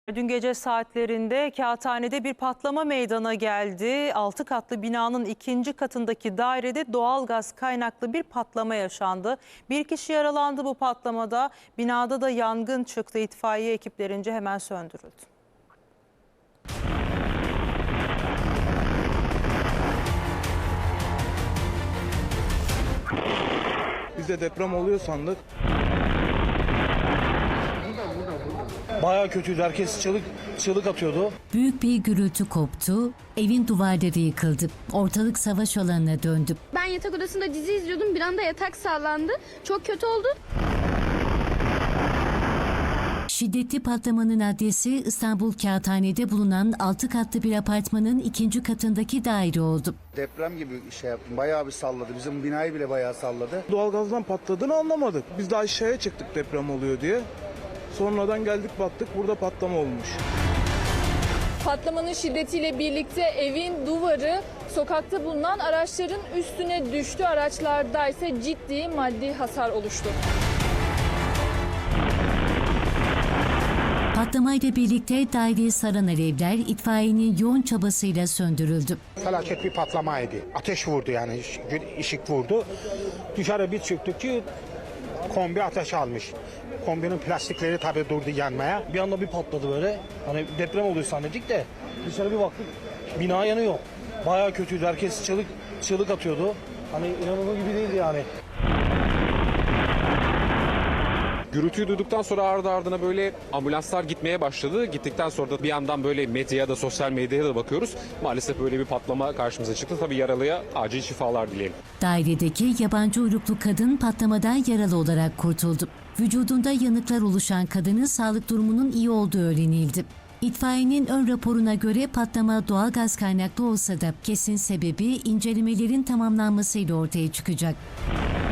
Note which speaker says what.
Speaker 1: Dün gece saatlerinde Kağıthane'de bir patlama meydana geldi. 6 katlı binanın ikinci katındaki dairede doğalgaz kaynaklı bir patlama yaşandı. Bir kişi yaralandı bu patlamada. Binada da yangın çıktı. İtfaiye ekiplerince hemen söndürüldü.
Speaker 2: Biz de deprem oluyor sandık. Bayağı kötüydü. Herkes çığlık atıyordu.
Speaker 3: Büyük bir gürültü koptu, evin duvarları yıkıldı. Ortalık savaş alanına döndü.
Speaker 4: Ben yatak odasında dizi izliyordum. Bir anda yatak sallandı. Çok kötü oldu.
Speaker 3: Şiddetli patlamanın adresi İstanbul Kağıthane'de bulunan 6 katlı bir apartmanın ikinci katındaki daire oldu.
Speaker 5: Deprem gibi şey yaptım. Bayağı bir salladı. Bizim binayı bile bayağı salladı.
Speaker 2: Doğalgazdan patladığını anlamadık. Biz de aşağıya çıktık deprem oluyor diye. Sonradan geldik baktık burada patlama olmuş.
Speaker 6: Patlamanın şiddetiyle birlikte evin duvarı sokakta bulunan araçların üstüne düştü. Araçlarda ise ciddi maddi hasar oluştu.
Speaker 3: Patlamayla birlikte daireyi saran alevler itfaiyenin yoğun çabasıyla söndürüldü.
Speaker 7: Felaket bir patlamaydı. Ateş vurdu yani ışık vurdu. Dışarı bir çıktık ki kombi ateş almış. Kombinin plastikleri tabii durdu yanmaya.
Speaker 2: Bir anda bir patladı böyle. Hani deprem oluyor zannettik de dışarı bir baktık bina yanıyor. Bayağı kötüydü. Herkes çığlık atıyordu. Hani inanılır gibi değildi yani.
Speaker 8: Gürültüyü duyduktan sonra ardı ardına böyle ambulanslar gitmeye başladı. Gittikten sonra da bir yandan böyle medyaya da sosyal medyaya da bakıyoruz. Maalesef böyle bir patlama karşımıza çıktı. Tabii yaralıya acil şifalar dileyelim.
Speaker 3: Dairedeki yabancı uyruklu kadın patlamadan yaralı olarak kurtuldu. Vücudunda yanıklar oluşan kadının sağlık durumunun iyi olduğu öğrenildi. İtfaiyenin ön raporuna göre patlama doğalgaz kaynaklı olsa da kesin sebebi incelemelerin tamamlanmasıyla ortaya çıkacak.